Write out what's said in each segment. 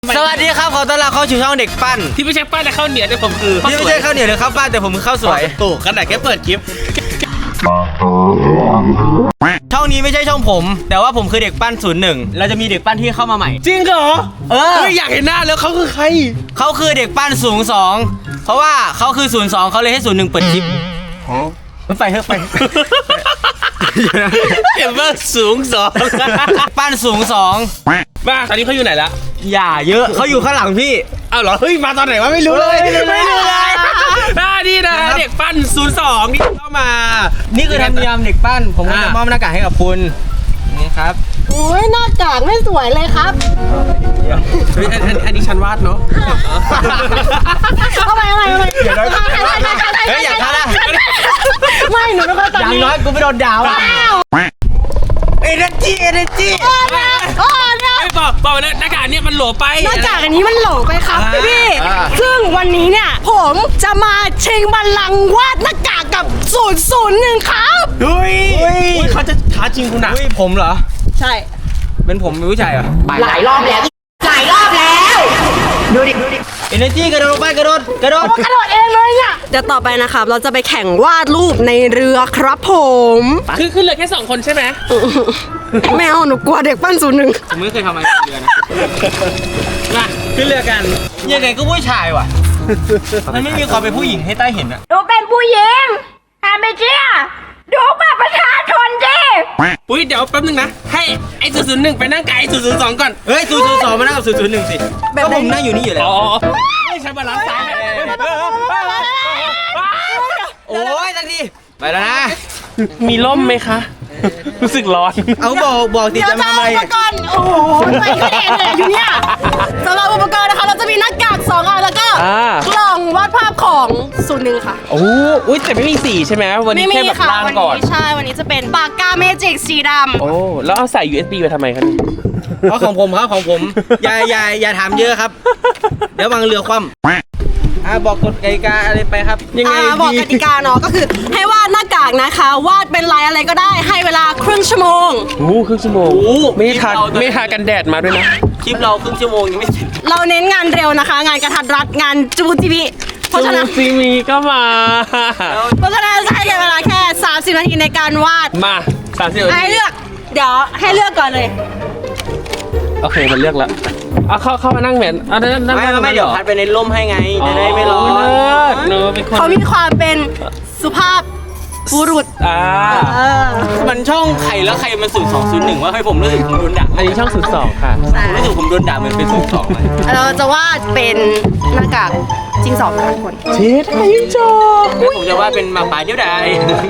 สวัสดีครับขอต้อนรับเข้าสู่ช่องเด็กปั้นที่ไม่ใช่ปั้นแต่ข้าวเหนียวแต่ผมคือที่ไม่ใช่ข้าวเหนียวหรือข้าวปั้นแต่ผมคือข้าวสวยถูกขนาดแค่เปิดคลิปช่องนี้ไม่ใช่ช่องผมแต่ว่าผมคือเด็กปั้น01เราจะมีเด็กปั้นที่เข้ามาใหม่จริงเหรออยากเห็นหน้าแล้วเขาคือใครเขาคือเด็กปั้น02เพราะว่าเขาคือ02เขาเลยให้01เปิดคลิปไปเถอะไปเห็นว่าสูง2 ปั้น02 มาตอนนี้เขาอยู่ไหนละอย่าเยอะเขาอยู่ข้างหลังพี่อ้าวเหรอเฮ้ยมาตอนไหนวะไม่รู้เลยนี่นะเด็กปั้น02ที่เข้ามานี่คือธรรมเนียมเด็กปั้นผมก็จะมอบหน้ากากให้กับคุณนี่ครับโอ้ยหน้ากากไม่สวยเลยครับอันนี้ฉันวาดเนาะทำไมเฮ้ยอย่าท้านะไม่หนูไม่ค่อยตัดอย่างน้อยกูไม่โดนด่าว่ะเอเนจีโอ้นะไม่บอกนะหน้ากากเนี่ยมันโหลไปหน้ากากอันนี้มันโหลไปครับพี่ซึ่งวันนี้เนี่ยผมจะมาชิงบัลลังก์วาดหน้ากากกับ001ครับเฮ้ยเขาจะท้าจริงคุณนะผมเหรอใช่เป็นผมเป็นผู้ชายเหรอหลายรอบแล้วดูดิเอเนจีกระโดดลงไปกระโดดเองเลยเนี่ยเดี๋ยวต่อไปนะครับเราจะไปแข่งวาดรูปในเรือครับผมคือขึ้นเรือแค่2คนใช่ไหมไม่เอาหนูกลัวเด็กปั้น01 ผมไม่เคยทำอะไรเรือนะมาขึ้นเรือกันยังไงก็ผู้ชายว่ะมันไม่มีความเป็นผู้หญิงให้ใต้เห็นอะดูเป็นผู้หญิงไม่เชื่อดูบัตรประชาชนดิปุ้ยเดี๋ยวแป๊บนึงนะให้ไอ้001ไปนั่งไกล002ก่อนเฮ้ย002มานั่งกับ001สิก็ผมนั่งอยู่นี่อยู่แล้วไม่ใช่บาลานซ์ซ้ายโอ้ยสักทีไปแล้วนะมีร่มไหมคะรู้สึกร้อนเอาบอกติจะมาทำไมก่อนโอ้โหไปก็เองเลยอยู่เนี่ยสำหรับอุปกรณ์นะคะเราจะมีหน้ากาก2อันแล้วก็กล่องวาดภาพของ01ค่ะโอ้ยแต่ไม่มีสีใช่ไหมวันนี้แค่แบบล่างก่อนใช่วันนี้จะเป็นปากกาเมจิกสีดำโอ้แล้วเอาใส่ USB ไปทำไมครับเพราะของผมครับของผมอย่าถามเยอะครับเดี๋ยววางเรือคว่ำบอกกฎกติกาอะไรไปครับยังไงบอกกติกาเนาะก็คือให้วาดหน้ากากนะคะวาดเป็นลายอะไรก็ได้ให้เวลาครึ่งชั่วโมงครึ่งชั่วโมงไม่ทากันแดดมาด้วยนะคลิปเราครึ่งชั่วโมงยังไม่เสร็จเราเน้นงานเร็วนะคะงานกระทัดรัดงานจูจีบีเพราะฉะนั้นจีมีก็มาเพราะฉะนั้นให้เวลาแค่30นาทีในการวาดมา30นาทีให้เลือกเดี๋ยวให้เลือกก่อนเลยโอเคมันเลือกแล้วเข้ามานั่งเหมือนไม่เดี๋ยวพัดไปในร่มให้ไงจะได้ไม่ร้อนเขามีความเป็นสุภาพบุรุษมันช่องใครแล้วใครมัน0201ว่าให้ผมรู้สึกผมโดนด่าอันนี้ช่อง02ค่ะผมรู้สึกผมโดนด่าเหมือนเป็น02 เราจะวาดเป็นหน้ากากจริง2ทุกคนเช็ดให้ยิ่งจบผมจะวาดเป็นหมาป่าเดียวดาย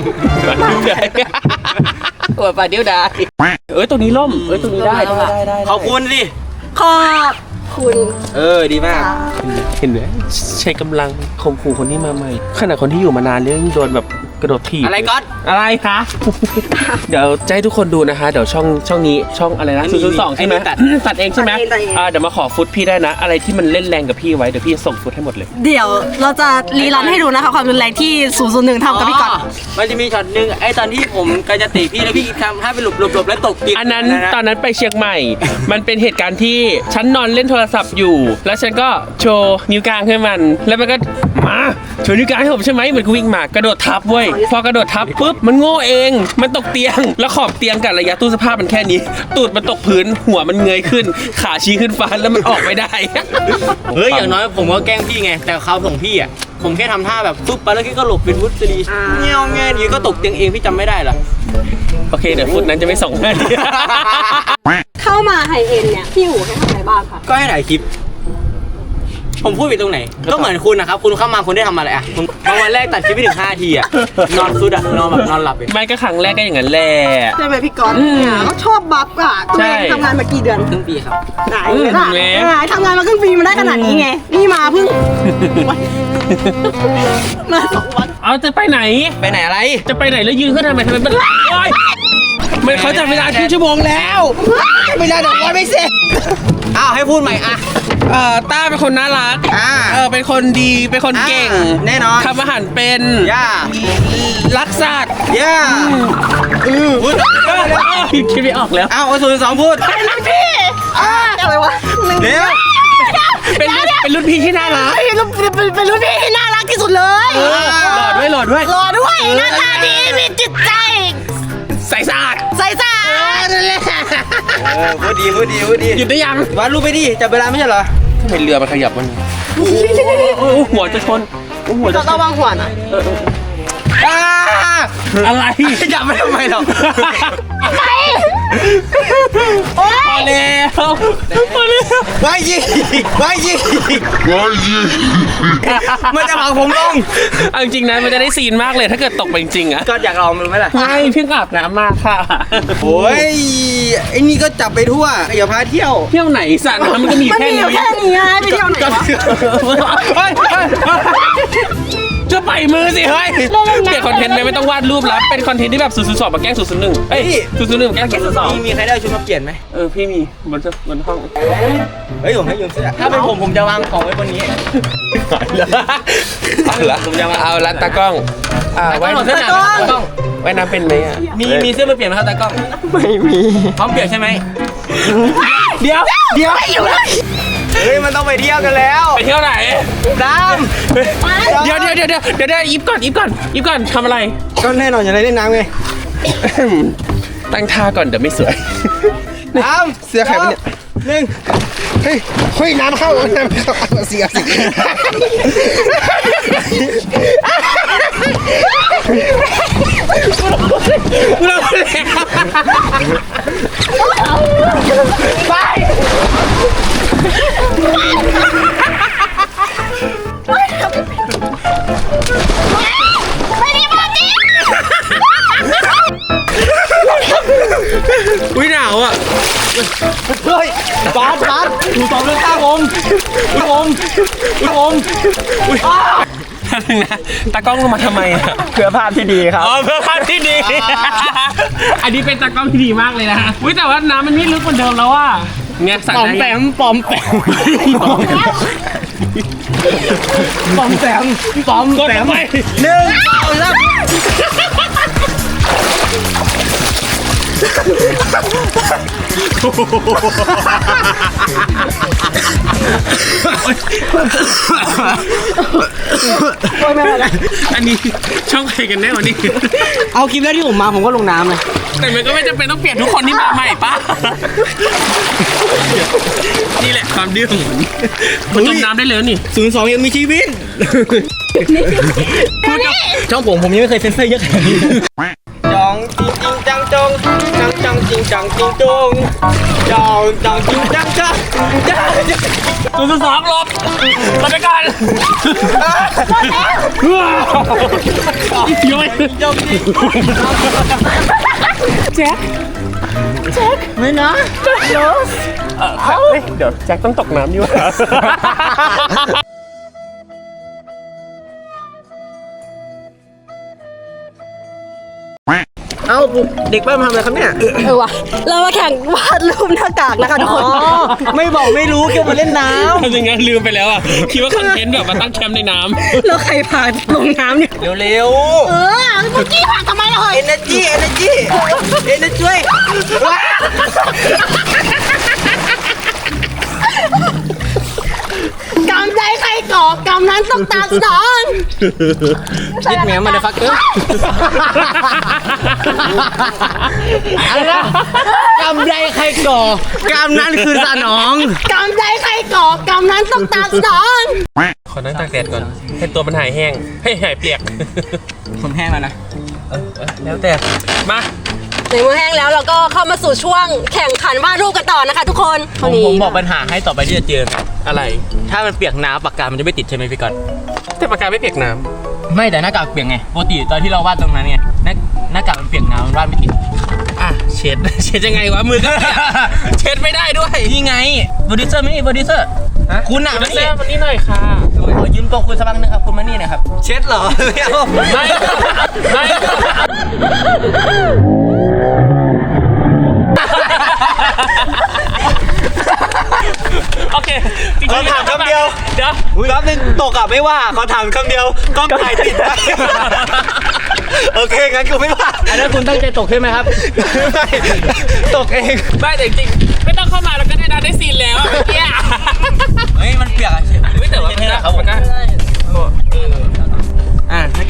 ป่าเดียวดายตรงนี้ล่มตรงนี้ได้ขอบคุณสิขอบคุณดีมากเห็นไหมใช้กำลังข่มขู่คนที่มาใหม่ขณะคนที่อยู่มานานเรื่องโดนแบบกระโดดถีบอะไรก๊อตอะไรคะเดี๋ยวจะให้ทุกคนดูนะคะเดี๋ยวช่องนี้ช่องอะไรนะ002ใช่ไหมตัดเองใช่ไหมเดี๋ยวมาขอฟุตพี่ได้นะอะไรที่มันเล่นแรงกับพี่ไว้เดี๋ยวพี่ส่งฟุตให้หมดเลยเดี๋ยวเราจะรีรันให้ดูนะคะความรุนแรงที่001ทำกับพี่ก๊อตมันจะมีช็อตนึงไอ้ตอนที่ผมก็จะตีพี่แล้วพี่ทำให้เป็นหลบแล้วตกตีอันนั้นตอนนั้นไปเชียงใหม่มันเป็นเหตุการณ์ที่ฉันนอนเล่นโทรศัพท์อยู่แล้วฉันก็โชว์นิ้วกลางให้มันแล้วมันก็มาโชว์นิ้วกลางให้ผมใช่ไหมเหมือนกูวิ่งมากระโดดทับเว้ยพอกระโดดทับปุ๊บมันโง่เองมันตกเตียงแล้วขอบเตียงกับระยะตู้เสื้อผ้ามันแค่นี้ตูดมันตกพื้นหัวมันเงยขึ้นขาชี้ขึ้นฟ้าแล้วมันออกไม่ได้เฮ้ยอย่างน้อยผมก็แกล้งพี่ไงแต่เขาของพี่อ่ะผมแค่ทำท่าแบบปุ๊บไปแล้วพี่ก็หลบเป็นวุ้นซีเงี้ยดีก็ตกเตียงเองพี่จำไม่ได้หรอโอเคเดี๋ยวฟุตนั้นจะไม่ส่งให้เข้ามาไฮเอ็นเนี่ยพี่หูให้ทำอะไรบ้างคะก็ให้ถ่ายคลิปผมพูดไปตรงไหนก็เหมือนคุณนะครับคุณเข้ามาคุณได้ทำอะไรอ่ะวันแรกตัดคลิปไปถึง5 นาทีอ่ะนอนซุดอ่ะนอนแบบนอนหลับไม่ก็ครั้งแรกก็อย่างนั้นแหละใช่ไหมพี่ก๊อตเนี่ยเขาชอบบัฟอ่ะตัวเองทำงานมากี่เดือนครึ่งปีครับไหนทำงานมาครึ่งปีมาได้ขนาดนี้ไงนี่มาเพิ่งมา2 วันจะไปไหนอะไรจะไปไหนแล้วยืนขึ้นทำไมมันไม่เขาจับเวลาครึ่งชั่วโมงแล้วเวลา1 วันไม่เสร็จให้พูดใหม่อ่ะต้าเป็นคนน่ารักเป็นคนดีเป็นคนเก่งแน่นอนทำอาหารเป็นรักสัตว์คิดไม่ออกแล้ว 02พูดไปนะพี่อะไรวะเดี๋ยวรุ่นพี่ที่น่ารักเป็นรุ่นพี่ที่น่ารักที่สุดเลยหล่อด้วยหล่อด้วยหล่อด้วยหน้าตาดีมีจิตใจใส่สะอาดใส่สะอาดนั่นแหละพูดดีหยุดได้ยังวาดรูปไปดิจับเวลาไม่ใช่เหรอทำไมเรือมันขยับมันหัวจะชนหัวจะชนระวังหัวนะอะไรจับไม่ทำไมหรอกโอ๊พอย แล้วพอแล้วไม่ยิงมันจะพังผมลงเอาจริงๆนะมันจะได้ซีนมากเลยถ้าเกิดตกไปจริงๆอะก็อยากลองมันไหมล่ะไม่เพิ่งอาบน้ำมาค่ะโอ้ยไอ้นี่ก็จับไปทั่วอย่าพาเที่ยวเที่ยวไหนสระน้ำมันก็มีมันแค่มีอนี้ยู่แค่นี้ไงไปเที่ยวไหนวะจะไปมือสิเฮ้ยเปลี่ยนคอนเทนต์ไหมไม่ต้องวาดรูปแล้วเป็นคอนเทนต์ที่แบบ002มาแกล้ง001เอ้ย001แกล้ง002 มีใครได้ชุดมาเปลี่ยนไหมพี่มีบนห้องเฮ้ยผมให้ยืมเสื้อถ้าเป็นผมจะวางของไว้บนนี้เอาละตากล้องว่ายน้ำเป็นไหมอ่ะมีเสื้อมาเปลี่ยนไหมครับตากล้องไม่มีพร้อมเปลี่ยนใช่ไหมเดี๋ยวเฮ้ยมันต้องไปเที่ยวกันแล้วไปเที่ยวไหนน้เดี๋ยวอีฟก่อนทำอะไรำก็แน่นอนอย่าได้เล่นน้ำไงตั้งท่าก่อนเดี๋ยวไม่สวยน้ำเสื้อใครวะเนี่ยหนึ่งเฮ้ยน้ำเข้าเสียสิอุ้ยหนาวอ่ะเฮ้ยบาสดูตอบเรื่องข้าผมนะตากล้องลงมาทำไมอ่ะเพื่อภาพที่ดีครับเพื่อภาพที่ดี อันนี้เป็นตากล้องที่ดีมากเลยนะอุ้ยแต่ว่าน้ำมันไม่ลึกเหมือนเดิมแล้วว่ะเนี่ยสั่งปอมแปมปอมแปมกดไปหนึ่งสองสามอันนี้ช่องใครกันแน่วันนี้เอาคลิปแรกที่ผมมาผมก็ลงน้ำเลยแต่มันก็ไม่จำเป็นต้องเปลี่ยนทุกคนที่มาใหม่ป่ะ นี่แหละความดื้อของมันจมน้ำได้เลยนี่ 02ยังมีชีวิตพูดกับช่องผมยังไม่เคยเซ็นเซอร์เยอะขนาดนี้จองจริงจังจงจังจริงจังจริงจงจองจังจริงจังจัง 002ลบมาไปกันย้อยจงจริงแจ็คไม่นะโรสเดี๋ยวแจ็คต้องตกน้ำอยู่เอ้าเด็กบ้านมาทำอะไรครับเนี่ยว่ะเรามาแข่งวาดรูปหน้ากากนะคะทุกคนไม่บอกไม่รู้เกี่ยวมาเล่นน้ทำยังไงลืมไปแล้วอ่ะคิดว่าคอนเทนต์แบบมาตั้งแคมป์ในน้ำแล้วใครพาลงน้ำเนี่ยำเร็วเมื่อกี้พาทำไมล่ะเฮ้ย energy ช่วยกำใจใครก่อกำนั้นต้องตามสนองยิดแมวมาเดฟักเกอร์อะไรนะกำไรใครก่อกำนั้นคือสนองกำใจใครก่อกำนั้นต้องตามสนองขอนั่งตากแดดก่อนให้ตัวมันหายแห้งให้หายเปียกผมแห้งแล้วนะแล้วแต่มาในเมื่อแห้งแล้วเราก็เข้ามาสู่ช่วงแข่งขันวาดรูปกันต่อนะคะทุกคนผมบอกปัญหาให้ต่อไปที่จะเจออะไรถ้ามันเปียกน้ำปากกามันจะไม่ติดใช่ไหมพี่ก๊อตแต่ปากกาไม่เปียกน้ไม่แต่หน้ากากเปียกไงปกติตอนที่เราวาดตรงนั้นไงหน้ากากมันเปียกน้ำมันวาดไม่ติดำเช็ด เช็ดยังไงวะมือก็เปียกเช็ดไม่ได้ด้วยนี่ไงโปรดิวเซอร์ไม่มีโปรดิวเซอร์คุณอ่ะมาไม่แซ่ใช่วันนี้หน่อยค่ะขอยืมตัวคุณสักพักนึงครับคุณมานี่หน่อยครับเช็ดเหรอไม่เอาไม่โอเคขอถามคำเดียวเดี๋ยวรอบนึงตกอ่ะไม่ว่าขอถามคำเดียวกล้องถ่ายติดไหมโอเคงั้นกูไม่ว่าอันนั้นคุณตั้งใจตกใช่ไหมครับไม่ตกเองไม่แต่จริงๆไม่ต้องเข้ามาแล้วก็ได้ซีนแล้วเมื่อกี้เฮ้ยมันเปียกอ่ะแต่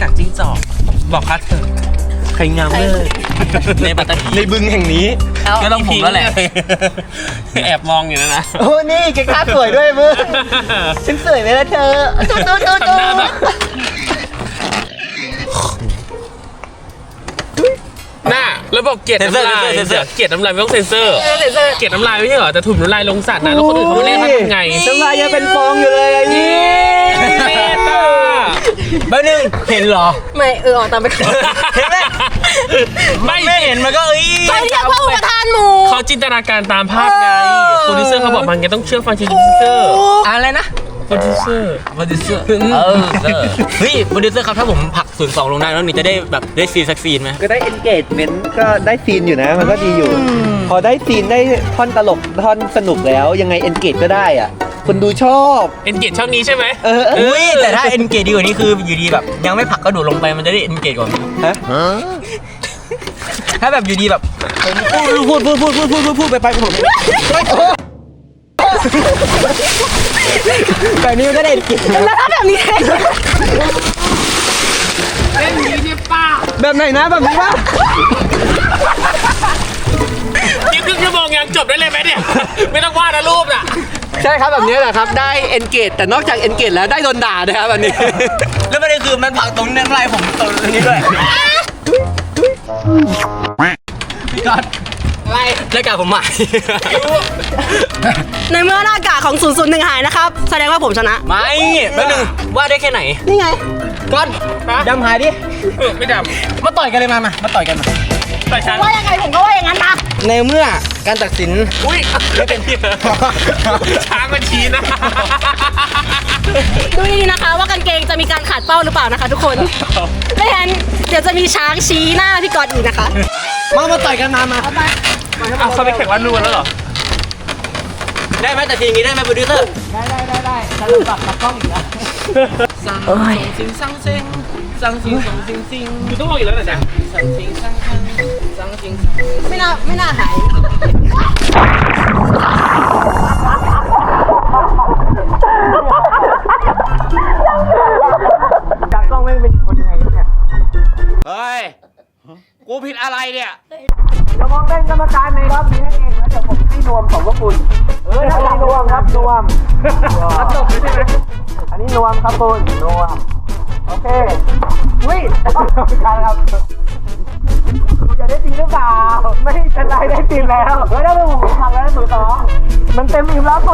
ากากจิ้งจอกบอกคัดเถอะใครงามเลิศในปัตตานีในบึงแห่งนี้ก็ต้องผมแล้วแหละแอบมองอยู่นะโอ้นี่แกคาดสวยด้วยมึงฉันสวยไหมล่ะเธอตุ๊ดทำหน้าแบบหน้าแล้วบอกเกลียดน้ำลายเกลียดน้ำลายไม่ต้องเซ็นเซอร์เกลียดน้ำลายไม่ใช่เหรอแต่ถุ่มน้ำลายลงสัตว์นะแล้วคนอื่นเขาไม่เล่นเขาทำไงน้ำลายยังเป็นฟองอยู่เลยอะนี่เมตาบ้านึงเห็นเหรอไม่ออกตามไปก่อนเห็นไหมไม่เห็นมันก็ไปเรียกว่าอุปทานหมู่เขาจินตนาการตามภาพไงโปรดิวเซอร์เขาบอกมันไงต้องเชื่อฟังโปรดิวเซอร์อะไรนะโปรดิวเซอร์โปรดิวเซอร์เฮ้ยโปรดิวเซอร์ครับถ้าผมผลัก02ลงได้แล้วนี่จะได้แบบได้ซีนสักซีนไหมก็ได้ engagement ก็ได้ซีนอยู่นะ มันก็ดีอยู่ พอได้ซีนได้ท่อนตลกท่อนสนุกแล้วยังไง engage ก็ได้อ่ะคนดูชอบเอ็นเกจช่องนี้ใช่ไหมอุ้ยแต่ถ้าเอ็นเกจดีกว่านี้คืออยู่ดีแบบยังไม่ผลักก็โดดลงไปมันจะได้เอ็นเกจกว่าฮะถ้าแบบอยู่ดีแบบพูดไปผมแบบนี้มันก็ได้เอ็นเกจแล้วถ้าแบบนี้เล่นนี้เนี่ยป้าแบบไหนนะแบบนี้ป่ะคลิปครึ่งชั่วโมงยังจบได้เลยไหมเนี่ยไม่ต้องวาดนะรูปน่ะใช่ครับแบบนี้แหละครับได้เอ็นเกจแต่นอกจากเอ็นเกจแล้วได้โดนด่าด้วยครับแบบนี้ แล้วประเด็นคือมันผลักตรงน้ำลายผมตรงนี้ด้วยพี่ก๊อตอะไรรายการผมใหม่ในเมื่อหน้ากากของ001หายนะครับแสดงว่าผมชนะไม่แป๊บนึงว่าได้แค่ไหนนี่ไงก๊อตดำหายดิไม่ดมาต่อยกันเลยมาต่อยกันมาำแต่ฉันว่ายังไงผมก็ว่าอย่างนั้นนะในเมื่อการตัดสินอุ้ยไม่เป็นที่ช้างมันชี้นะดูดีๆนะคะว่ากางเกงจะมีการขาดเป้าหรือเปล่านะคะ ทุกคนไม่งั้นเดี๋ยวจะมีช้างชี้หน้าพี่กอดอีกนะคะมาต่อยกันมาเอาเขาไปแข่งวันรูนแล้วเหรอได้ไหมแต่ทีนี้ได้ไหมโปรดิวเซอร์ได้ฉันรู้จักกับกล้องอีกแล้วสั่งสิงสั่งเซ็งสั่งสิงสั่งสิงสิงคุณต้องลองอีกแล้วนะจ๊ะสั่งสิงสั่งสั่งสิงไม่น่าหายจากกล้องไม่เป็นคนยังไงเนี่ยเฮ้ยกูผิดอะไรเนี่ยจะมองเป็นกรรมการในรอบนี้นั่นเองแล้วเดี๋ยวผมให้นวมของพวกคุณอันนี้นวมครับนวมรับจบเลยใช่ไหมอันนี้นวมครับคุณนวมโอเคอุ้ยกรรมการครับคุณจะได้ตีหรือเปล่าไม่เป็นไรได้ตีแล้วเฮ้ยได้เป็นผมทำแล้ว02มันเต็มอิ่มแล้ว02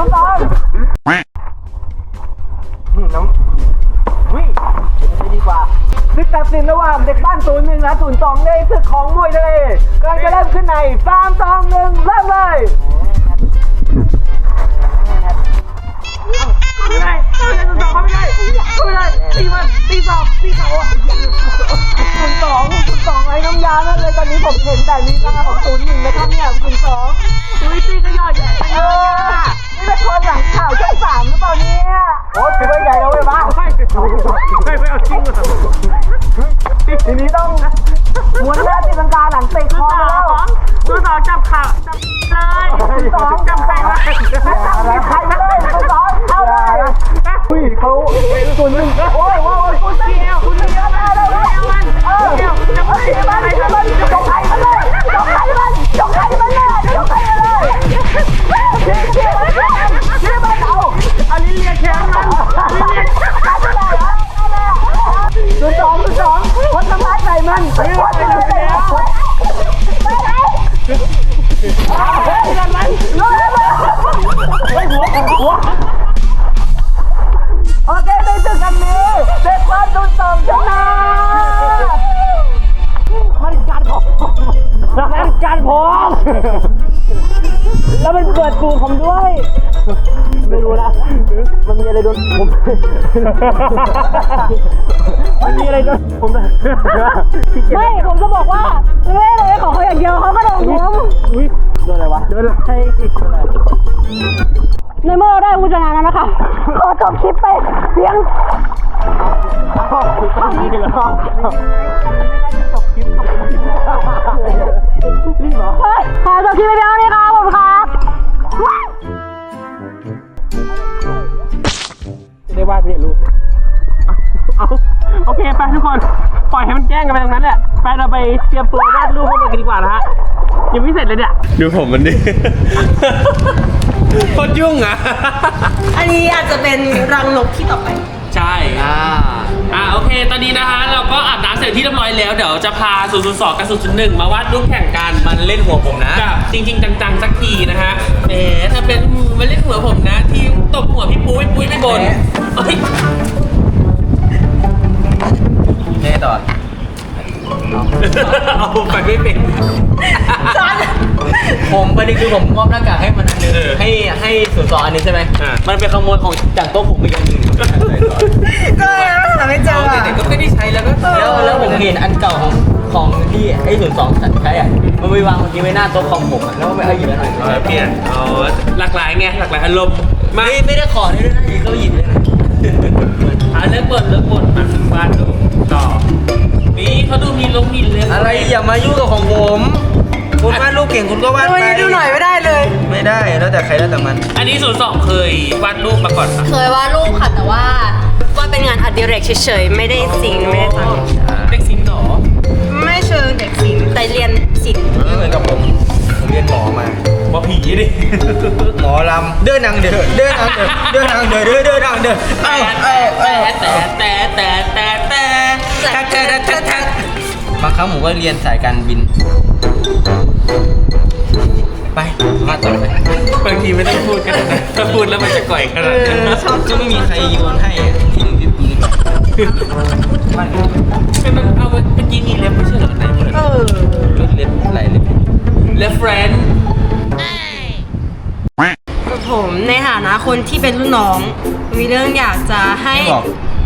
น้องอุ้ยไม่ดีกว่าศึกตัดสินระหว่างเด็กบ้าน01และ02ในศึกของมวยทะเลกำลังจะเริ่มขึ้นใน3 2 1เริ่มเลยไม่ได้02ไม่ได้ตีมันตีสอบตีเขา02ไอ้น้ำยานั่นเลยตอนนี้ผมเห็นแต่ลีลาของ01นะครับเนี่ย02อุ้ยตีก็ย่อยใหญ่นี่เป็นคนหลังข่าวช่อง3หรือเปล่าเนี่ยโอ้ถือว่าใหญ่แล้วเว้ยบ้าไม่เอาจริงเหรอทีนี้ต้องม้วนแรกตีลังกาหลังเตะคอแล้วตัวสองจับขาเลยตัวสองจับใส่มาแล้วใครมาเลยตัวสองเอาเลยอุ้ยเขาตัวนึงโอ้ยคุณเดียวมาเลยจะไปมันจงไข่มันเลยจงไข่มันเลยจงไข่มันเลยนี่มันเอาอันนี้เรียกแขนมันตัวสองคนทำร้ายใส่มันคนทำร้ายใส่มันโอเคในศึกครั้งนี้เด็กบ้าน02ชนะมันการผมแล้วมันเปิดตูผมด้วยไม่รู้นะมันมีอะไรโดนผมมันมีอะไรโดนผมไม่ผมจะบอกว่าไม่เลยของเขาอย่างเดียวเขาก็โดนผมอุ้ยโดนอะไรวะโดนอะไรในเมื่อเราได้ผู้ชนะแล้วนะคะขอจบคลิปไปเพียงนี่เหรอรีบเหรอขอจบคลิปไปเพียงเท่านี้ครับผมครับได้วาดไม่เห็นรูปเอาโอเคไปทุกคนปล่อยให้มันแกล้งกันไปตรงนั้นแหละไปเราไปเตรียมตัววาดรูปให้มันกันดีกว่านะฮะยังไม่เสร็จเลยเนี่ยดูผมมันดิ โคตรยุ่งอ่ะอันนี้อาจจะเป็นรังนกที่ต่อไปใช่โอเคตอนนี้นะคะเราก็อาบน้ำเสร็จที่เรียบร้อยแล้วเดี๋ยวจะพา002กับ001มาวาดรูปแข่งกันมันเล่นหัวผมนะกับจริงๆจังๆสักทีนะฮะแหมถ้าเป็นมันเล่นหัวผมนะที่ตบหัวพี่ปุ้ยไม่บ่นเฮ้ยแน่ต่อเอาไปไม่เป็นผมประเด็นคือผมมอบหน้ากากให้มันอันนึงให้02อันนี้ใช่ไหมมันเป็นขโมยของจากโต๊ะผมไปอย่างหนึ่งก็หาไม่เจอแต่ก็ไม่ได้ใช้แล้วก็แล้วผมเห็นอันเก่าของที่ไอ้02ใช้อ่ะมันไปวางเมื่อกี้ไว้หน้าโต๊ะของผมอ่ะแล้วมันไปเอาหยิบแล้วหน่อยเปลี่ยนหลากหลายไงหลากหลายอารมณ์มาไม่ได้ขอด้วยนะก็หยิบเลยนะเลิกบ่นมาวาดรูปต่อนี่เขาดูมีลงมีเรื่องอะไรอย่ามายุ่งกับของผมคุณวาดรูปเก่งคุณก็วาดไปดูหน่อยไม่ได้เลยไม่ได้แล้วแต่ใครแล้วแต่มันอันนี้02เคยวาดรูปมาก่อนปะเคยวาดรูปค่ะแต่ว่าเป็นงานอดิเรกเฉยๆไม่ได้ศิลป์ไม่ได้ทเด็กศิลป์เหรอำไม่เชิงเด็กศิลป์แต่เรียนศิลป์ไม่เหมือนกับผมเรียนหมอมาว่าผีดิหมอลำเดินนางเดินเดินนางเดินเดินนางเดินเดินนางเดินแต่บางครั้งผมก็เรียนสายการบินไปมาต่อไปบางทีไม่ต้องพูดกันนะถ้าพูดแล้วมันจะก่อยขนาดนั้นก็ไม่มีใครโยนให้ที่หนึ่งที่ปืนมันเอาเมื่อกี้มีเล็บไม่ใช่เหรอไหนเปิดเล็บไหลเล็บเล็บเฟรนด์ผมในฐานะคนที่เป็นรุ่นน้อง มีเรื่องอยากจะให้บอก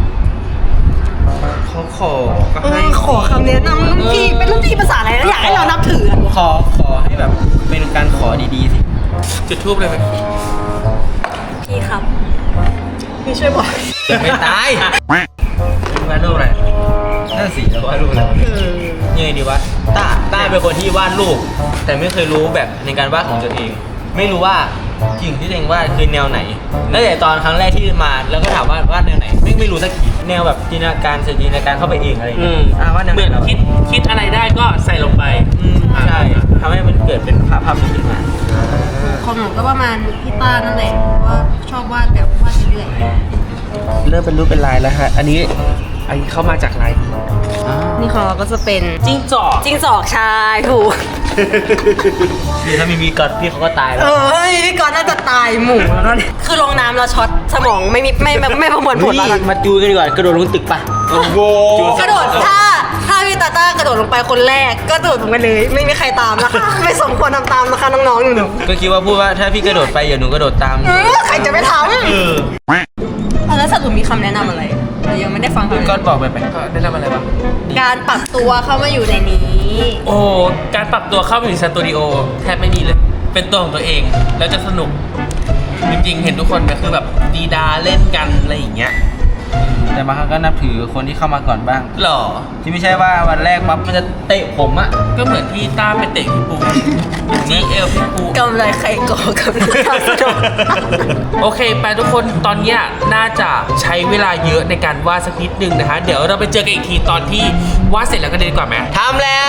เขาขอก็เอให้อขอคำแนะนำรุ่นพี่เป็นรุ่นพี่ภาษาอะไรแล้วอยากให้เรานับถืออะขอให้แบบเป็นการขอดีๆสิจุดทูบเลยไหมพี่ครับพี่ช่วยบอกไม่ตายวาดรูปอะไรนั่นสิแล้ววาดรูปอะไรยังไงดีวะต้าเป็นคนที่วาดรูปแต่ไม่เคยรู้แบบในการวาดของตัวเอง ไม่รู้ว่าสิ่งที่ตัวเองวาดคือแนวไหนตั้งแต่ตอนครั้งแรกที่มาแล้วก็ถามว่าวาดแนวไหนไม่รู้สักทีแนวแบบจินตนาการจินตนาการเข้าไปเองอะไรอย่างเงี้ยวาดแนวเหไหมือนนเราคิดอะไรได้ก็ใส่ลงไปใช่ทำให้มันเกิดเป็นภาพนี้ขึ้นมาของหนูก็ประมาณพี่ต้านั่นแหละว่าชอบวาดแบบวาดเรื่อยเริ่มเป็นรูปเป็นลายแล้วฮะอันนี้เข้ามาจากลายๆนี่ของเราก็จะเป็นจิ้งจอกจิ้งจอกชายถูกนี่ถ้ามีก่อนพี่เขาก็ตายแล้วพี่กอนน่าจะตายหมู่แล้วเนี่ยคือลงน้ำแล้วช็อตสมองไม่ประมวลผลแล้วนะมาจูกันดีกว่ากระโดดลงตึกปะโอ้โหกระโดดถ้าพี่ตาต้ากระโดดลงไปคนแรกก็กระโดดลงไปเลย ไม่มีใครตามนะคะไม่สมควรทำตามนะคะน้องๆหนูก็คิดว่าพูดว่าถ้าพี่กระโดดไปอย่าหนูกระโดดตามใครจะไม่ทำแล้วสรุปมีคำแนะนำอะไรเรายังไม่ได้ฟังก็บอกไปได้ทำอะไรบ้างการปรับตัวเข้ามาอยู่ในนี้โอ้การปรับตัวเข้าไปในสตูดิโอแทบไม่มีเลย เป็นตัวของตัวเองแล้วจะสนุก จริงๆ เห็นทุกคนก็คือแบบดีดาเล่นกันอะไรอย่างเงี้ยแต่บางครั้งก็นับถือคนที่เข้ามาก่อนบ้างหรอที่ไม่ใช่ว่าวันแรกปั๊บมันจะเตะผมอะก็เหมือนที่ต้าไปเตะพี่ปูจีเอลพี่ปูกำไรใครก่อกำไรข้าสนุกโอเคไปทุกคนตอนเนี้ยน่าจะใช้เวลาเยอะในการวาดสักนิดนึงนะฮะเดี๋ยวเราไปเจอกันอีกทีตอนที่วาดเสร็จแล้วก็ดีกว่าไหมทำแล้ว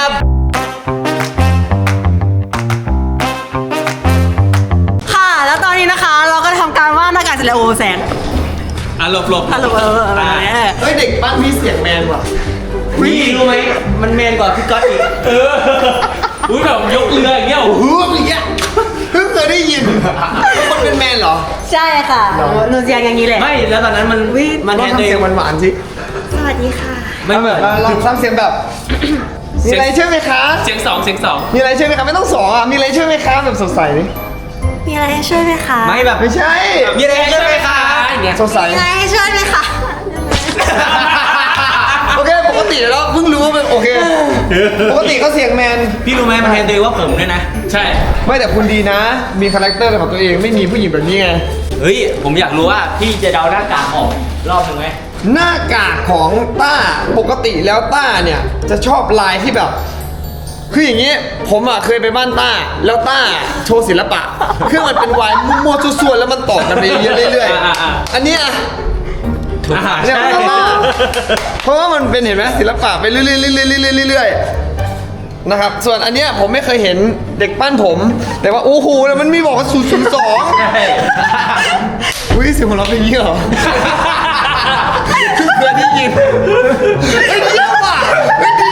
ค่ะ แล้วตอนนี้นะคะ เราก็ทำการวาดหน้ากากเสร็จแล้วโอ้แสงหลบฮัลโหลอะไรเฮ้ยเด็กบ้านพี่เสียงแมนว่ะพี่รู้ไหมมันแมนกว่าพี่ก๊อตอีกอุ้ยแบบยกเรืออย่างเงี้ยโอ้โหฮึบอย่างเงี้ยเพิ่งเคยได้ยินคนเป็นแมนเหรอใช่ค่ะหนูเสียงอย่างนี้แหละไม่แล้วตอนนั้นมันลแทองนทำตัวเอเสียงงหวานๆสิสวัสดีค่ะไม่เหมือนลองทำเสียงแบบ มีอะไรช่วยไหมคะเสียงสองมีอะไรช่วยไหมคะไม่ต้องสองอ่ะ มีอะไรช่วยไหมคะแบบสดใสดิมีอะไรให้ช่วยไหมคะไม่แบบไม่ใช่มีอะไรใช่ไหมคะอย่างเงี้ยสดใสมีอะไรให้ช่วยไหมคะโอเคปกติแล้วเพิ่งรู้ว่าเป็นโอเค ปกติเขาเสียงแมนพี่รู้ไหมมันแทนตัวเองว่าผมด้วยนะใช่ไม่แต่คุณดีนะ มีคาแรคเตอร์เป็นของตัวเองไม่มีผู้หญิงแบบนี้ไงเฮ้ยผมอยากรู้ว่าพี่จะเดาหน้ากากออกรอบหนึ่งไหมหน้ากากของต้าปกติแล้วต้าเนี่ยจะชอบลายที่แบบ คืออย่างนี้ผมอ่ะเคยไปบ้านต้า แล้วต้าโชว์ศิลปะคือมันเป็นวายมั่วๆส่วนๆแล้วมันต่อกันไปเรื่อยๆอันเนี้ยเนี่ยออโต้ล่าเพราะว่ามันเป็นเห็นไหมศิลปะไปเรื่อยๆนะครับ ส่วนอันเนี้ยผมไม่เคยเห็นเด็กปั้นผม แต่ว่าโอ้โหแล้วมันมีบอกว่า002อุ้ยเสียงของเราเป็นอย่างนี้เหรอเพื่อนที่ยินเฮ้ยเยี่ยมอ่ะเฮ้ยดี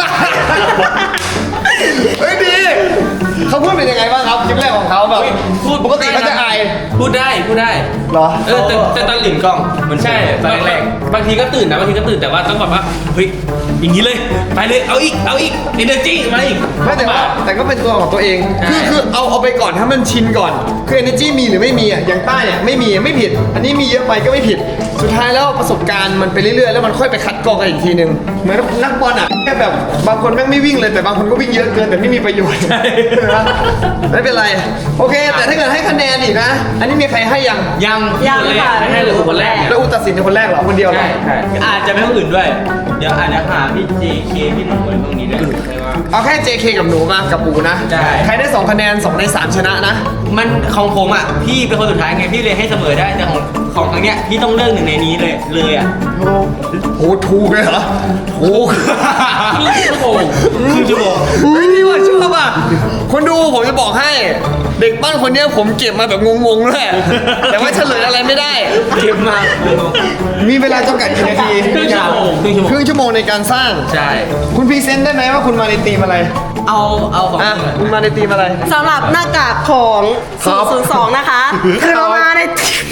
เฮ้ยดีเขาพูดเป็นยังไงบ้างครับคลิปแรกของเขาแบบปกติเขาจะอายพูดได้เหรอแต่ตอนตื่นกล้องมันใช่ตอนแรกบางทีก็ตื่นนะบางทีก็ตื่นแต่ว่าต้องแบบว่าเฮ้ยอย่างนี้เลยไปเลยเอาอีกenergy มาอีกไม่แต่ก็เป็นตัวของตัวเอง คือเอาไปก่อนถ้ามันชินก่อนคือ energy มีหรือไม่มีอ่ะอย่างใต้เนี่ยไม่มีไม่ผิด อันนี้มีเยอะไปก็ไม่ผิด สุดท้ายแล้วประสบการณ์มันไปเรื่อยๆแล้วมันค่อยไปคัดกรองกันอีกทีนึงเหมือนนักบอลอ่ะแค่แบบบางคนแม่งไม่วิ่งเลยแต่บางคนก็วิ่งเยอะเกินแต่ไม่มีประโยชน์ ไม่เป็นไรโอเค แต่ถ้าเกิดให้คะแนนอีกนะ อันนี้มีใครให้ยังยังค่ะให้เลยคนแรกแล้วอุตัดสินเป็นคนแรกเหรอคนเดียวเหรอใช่อาจจะไม่คนอื่นด้วย เดี๋ยวอาจจะหาพี่ JK พี่หนุ่มอะไรพวกนี้ด้วยใช่ว่าเอาแค่ JK กับหนูมากับปูนะใช่ใครได้2คะแนน2ใน3ชนะนะมันของผมอ่ะพี่เป็นคนสุดท้ายไงพี่เลยให้เสมอได้แต่ของครั้งเนี้ยพี่ต้องเลือกหนึ่งในนี้เลยอ่ะโหถูกเลยเหรอถูกครึ่งชั่วโมงเฮ้ยนี่ว่าชอบอ่ะคนดูผมจะบอกให้เด็กบ้านคนเนี้ยผมเก็บมาแบบงงๆด้วยแต่ว่าเฉลยอะไรไม่ได้เก็บมามีเวลาจำกัดกี่นาทีครึ่งชั่วโมงครึ่งชั่วโมงในการสร้างใช่คุณพรีเซนต์ได้ไหมว่าคุณมาในธีมอะไรเอาของอ่ะคุณมาในธีมอะไรสำหรับหน้ากากของครับ 002 นะคะ คือเรามาใน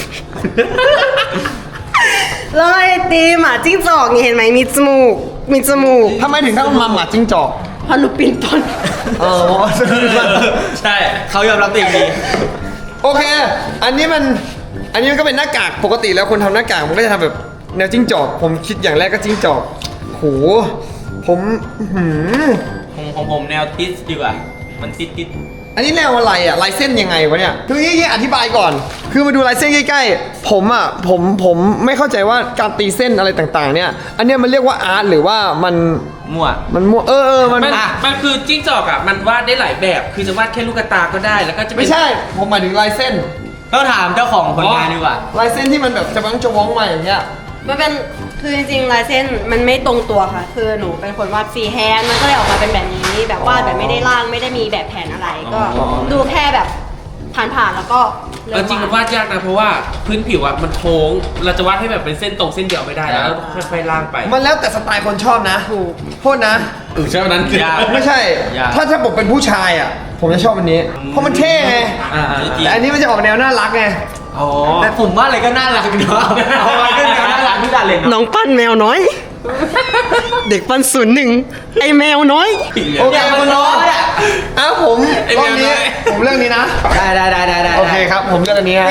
เรามาในตีมหมาจิ้งจอกนี่เห็นไหมมีจมูกทำไมถึงต้องมาหมาจิ้งจอกเพราะหนูปีนต้นอ๋อใช่เขายอมรับตัวเองดีโอเค อันนี้มันก็เป็นหน้ากากปกติแล้วคนทำหน้ากากมันก็จะทำแบบแนวจิ้งจอกผมคิดอย่างแรกก็จิ้งจอกโหผมของผมแนวติสดีกว่า มันติดอันนี้แนวอะไรอ่ะลายเส้นยังไงวะเนี่ยคืองี้อธิบายก่อน คือมาดูลายเส้นใกล้ๆผมไม่เข้าใจว่าการตีเส้นอะไรต่างๆ เนี่ย อันเนี้ยมันเรียกว่าอาร์ตหรือว่ามันมั่วมั่วมันมันคือจิ้งจอกอ่ะมันวาดได้หลายแบบคือจะวาดแค่ลูกตาก็ได้แล้วก็จะเป็นไม่ใช่ผมหมายถึงลายเส้นต้องถามเจ้าของผลงานดีกว่าลายเส้นที่มันแบบจะว้องมาอย่างเงี้ยมันเป็นคือจริงๆลายเส้นมันไม่ตรงตัวค่ะ คือหนูเป็นคนวาดฟรีแฮนด์มันก็เลยออกมาเป็นแบบนี้แบบวาดแบบไม่ได้ร่างไม่ได้มีแบบแผนอะไร ก็ดูแค่แบบผ่านๆแล้วก็เริ่มจริงมันวาดยากนะเพราะว่าพื้นผิวอ่ะมันโค้งเราจะวาดให้แบบเป็นเส้นตรงเส้นเดียวไม่ได้แล้วค่อยๆล่างไปมันแล้วแต่สไตล์คนชอบนะโทษนะใช่ไหมนั้นยากไม่ใช่ยากถ้าผมเป็นผู้ชายอ่ะ ผมจะชอบอันนี้ เพราะมันเท่ไง แต่อันนี้มันจะออกแนวน่ารักไงอ๋อแต่ผมว่าอะไรก็น่ารักเนาะเอาอะไรก็น่ารักทุกอย่างเลยน้องปั้นแมวน้อย เด็กปั้น01ไอแมวน้อยโอเคคุณน้องอ้าวผมรอบนี้ผมเรื่องนี้นะได้โอเคครับ ผมเลือกอันนี้ฮะ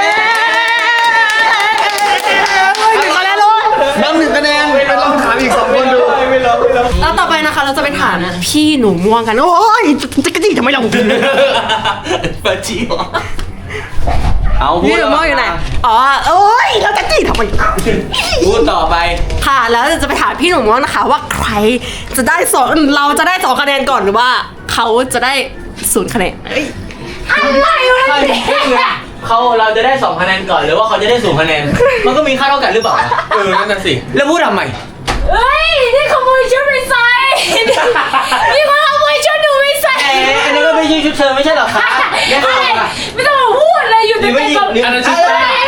น้ำหนึ่งคะแนนไปลองถามอีก2คนดูแล้วต่อไปนะคะเราจะไปถามพี่หนูม่วงกัน โอ้ยจะกระดิทำไมเราปะจิ๋วเอาพูพี่ดหนูม่วงอยู่ไหนอ๋อโอ้ยเราจะกระดิทำไมพูดต่อไปค่ะแล้วจะไปถามพี่หนูม่วงนะคะ ว่าใครจะได้เราจะได้2คะแนนก่อนหรือว่าเขาจะได้0คะแนนอะไรวะเนี่ยเราจะได้2คะแนนก่อนหรือว่าเขาจะได้0คะแนน มันก็มีค่าเท่ากันหรือเปล่านั่นน่ะสิแล้วพูดทำไมเฮ้ย นี่ขโมยชุดไปใส่ นี่มาขโมยชุดหนูไปใส่อันนี้ก็ไม่ใช่ชุดเธอไม่ใช่หรอคะไม่ต้องมาพูดเลยอยู่หรือในไม่ยิกงหรืออันนั้นชุด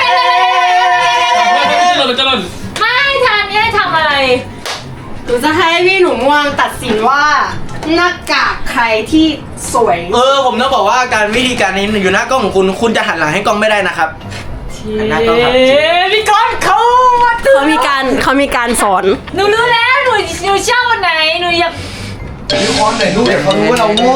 เราจะหล่นไม่ทานนี่ให้ทำอะไรหนูจะให้พี่หนูม่วงตัดสินว่าหน้ากากใครที่สวยผมต้องบอกว่าการวิธีการนี้อยู่หน้ากล้องของคุณจะหันหลังให้กล้องไม่ได้นะครับหันหน้ากล้องครับพี่ก้อนเขามาถึเขามีการสอนหนูรู้แล้วหนูชอบวันไหนหนูอยากวิเคราะห์หน่อยลูกเดี๋ยวเขารู้ว่าเราโง่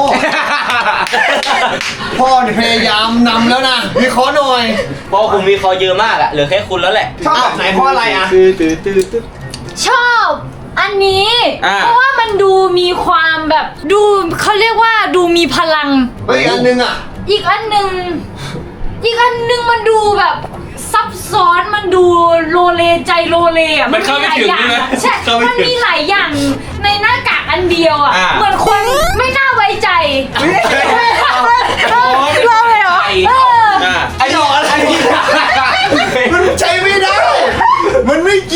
พ่อเนี่ยพยายามนำแล้วนะวิเคราะห์หน่อยเพราะคุณมีคอเยอะมากอะเหลือแค่คุณแล้วแหละชอบแบบไหนเพราะอะไรอ่ะชอบอันนี้ เพราะว่ามันดูมีความแบบดูเขาเรียกว่าดูมีพลังเฮ้ยอันนึงอ่ะอีกอันหนึ่งมันดูแบบซับซ้อนมันดูโลเลใจโลเลอ่ะมันเข้าไม่ถึงหลายอย่างใช่ไหมใช่เข้าไม่มันถึงมีหลายอย่างในหน้ากากอันเดียวอ่ะ เหมือนคนไม่น่าไว้ใจเราเลยเหรอเออไอ้หนอนไอ้ที่มันใช้ไม่ได้ มันไม่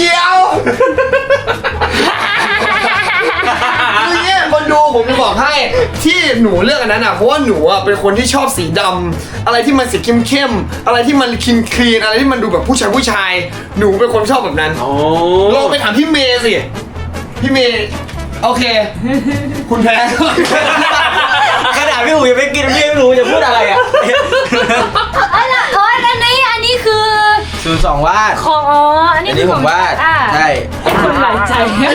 บอกให้ที่หนูเลือกอันนั้นอ่ะเพราะว่าหนูอ่ะเป็นคนที่ชอบสีดำอะไรที่มันสีเข้มๆอะไรที่มันคลีนอะไรที่มันดูแบบผู้ชายหนูเป็นคนชอบแบบนั้นลองไปถามพี่เมย์สิพี่เมย์โอเค คุณแพ้ขนาดพี่หูยังไม่กินพี่ไม่รู้จะพูดอะไรอ่ะอันนี้คือ 02 วาดของอันนี้คือของผมวาดอ่ะใช่คนหลายใจ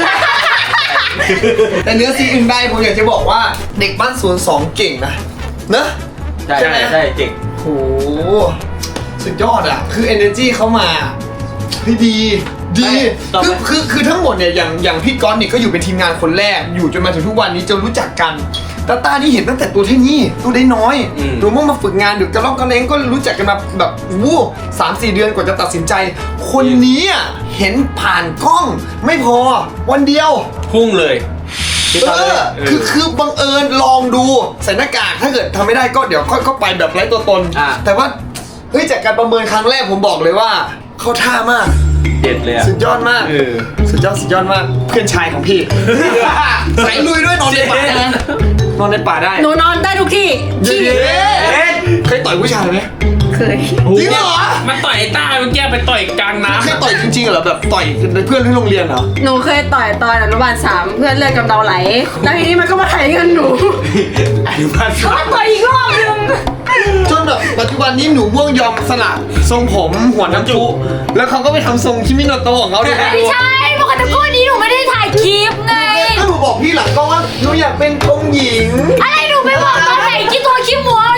แต่เนื้อซีอื่นใดผมอยากจะบอกว่าเด็กบ้าน02เก่งนะเนอะใช่ใช่ไหมใช่เจ๋งโหสุดยอดอ่ะคือ energy เขามาเฮ้ยดีคือทั้งหมดเนี่ยอย่างพี่ก๊อตเนี่ยก็อยู่เป็นทีมงานคนแรกอยู่จนมาถึงทุกวันนี้จนรู้จักกันตาต้านี่เห็นตั้งแต่ตัวเท่านี้ตัวได้น้อยหนูมั่งมาฝึกงานเดี๋ยวกระลอกกระเลงก็รู้จักกันมาแบบวู้3-4 เดือนกว่าจะตัดสินใจ คนนี้อ่ะเห็นผ่านกล้องไม่พอวันเดียวพุ่งเลยคือบังเอิญลองดูใส่หน้ากากถ้าเกิดทำไม่ได้ก็เดี๋ยวก็ไปแบบไร้ตัวตน แต่ว่าเฮ้ยจากการประเมินครั้งแรกผมบอกเลยว่าเข้าท่ามากเด็ดเลยอะสุดยอดมากสุดยอดมากเพื่อนชายของพี่สายลุยด้วยนอนในป่าได้นอนในป่าได้หนูนอนได้ทุกที่ที่เคยต่อยผู้ชายไหมเคยจริงเหรอมันต่อยไอ้ต้าเมื่อกี้ไปต่อยกลางน้ำเคยต่อยจริงๆเหรอแบบต่อยเพื่อนที่โรงเรียนเหรอหนูเคยต่อยตอนอนุบาล3เพื่อนเลือดกำเดาไหลแล้วทีนี้มันก็มาไถเงินหนูอนุบาลเขาต่อยอีกรอบนึงจนแบบปัจจุบันนี้หนูม่วงยอมสละทรงผมหัวน้ำจุแล้วเขาก็ไปทำทรงคิมิโนโตะของเขาด้วยนะไม่ใช่ปกติก่อนนี้หนูไม่ได้ถ่ายคลิปไงก็หนูบอกพี่หลังก็ว่าหนูอยากเป็นองค์หญิงอะไรหนูไปบอกตอนไหนคลิปตัวคลิปหัว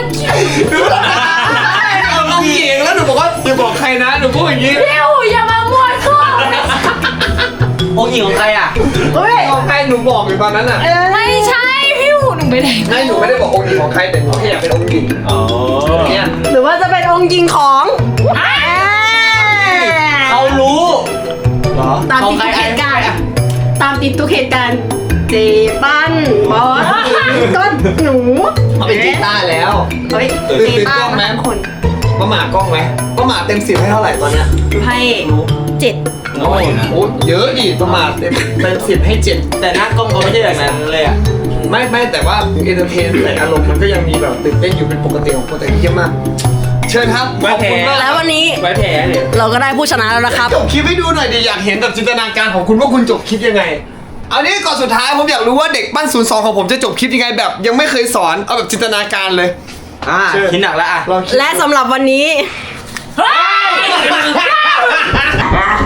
องค์หญิงแล้วหนูบอกว่าอย่าบอกใครนะหนูพูดอย่างนี้เร็วอย่ามามั่วซั่วองค์หญิงของใครอ่ะเฮ้ยของใครหนูบอกอยู่ตอนนั้นอ่ะไม่ใช่พี่หูหนูไม่ได้ไม่หนูไม่ได้บอกองค์หญิงของใครแต่หนูแค่อยากเป็นองค์หญิงอ๋อเนี่ยหรือว่าจะเป็นองค์ยิงของเขารู้เหรอตามติดทุกเหตุการณ์ตามติดทุกเหตุการณ์เจปั้นบอสก็หนูเขาเป็นกีตาร์แล้วเฮ้ยตื่นเจกปั้ล้องไหมนคนป้าหมากล้องไหมป้าหมาเต็ม10ให้เท่าไหร่ตอนเนี้ยให้7 น้อยอยู่นะโอ้เยอะดิป้าหมาเต็ม10ให้7 แต่หน้ากล้องเขาไม่ใช่แบบนั้นเลยอ่ะไม่แต่ว่าเอนเตอร์เทนแต่อารมณ์มันก็ยังมีแบบตื่นเต้นอยู่เป็นปกติของคนแต่เยี่ยมมาก เชิญครับขอบคุณมากแล้ววันนี้ไว้แผลเนี่ยเราก็ได้ผู้ชนะแล้วนะครับจบคลิปให้ดูหน่อยดิอยากเห็นแบบจินตนาการของคุณว่าคุณจบคลิปยังไงเอานี้ก่อนสุดท้ายผมอยากรู้ว่าเด็กบ้าน02ของผมจะจบคลิปยังไงแบบ ยังไม่เคยสอนเอาแบบจินตนาการเลยคิดหนักแล้วอ่ะลองคิดและสำหรับวันนี้เฮ้ย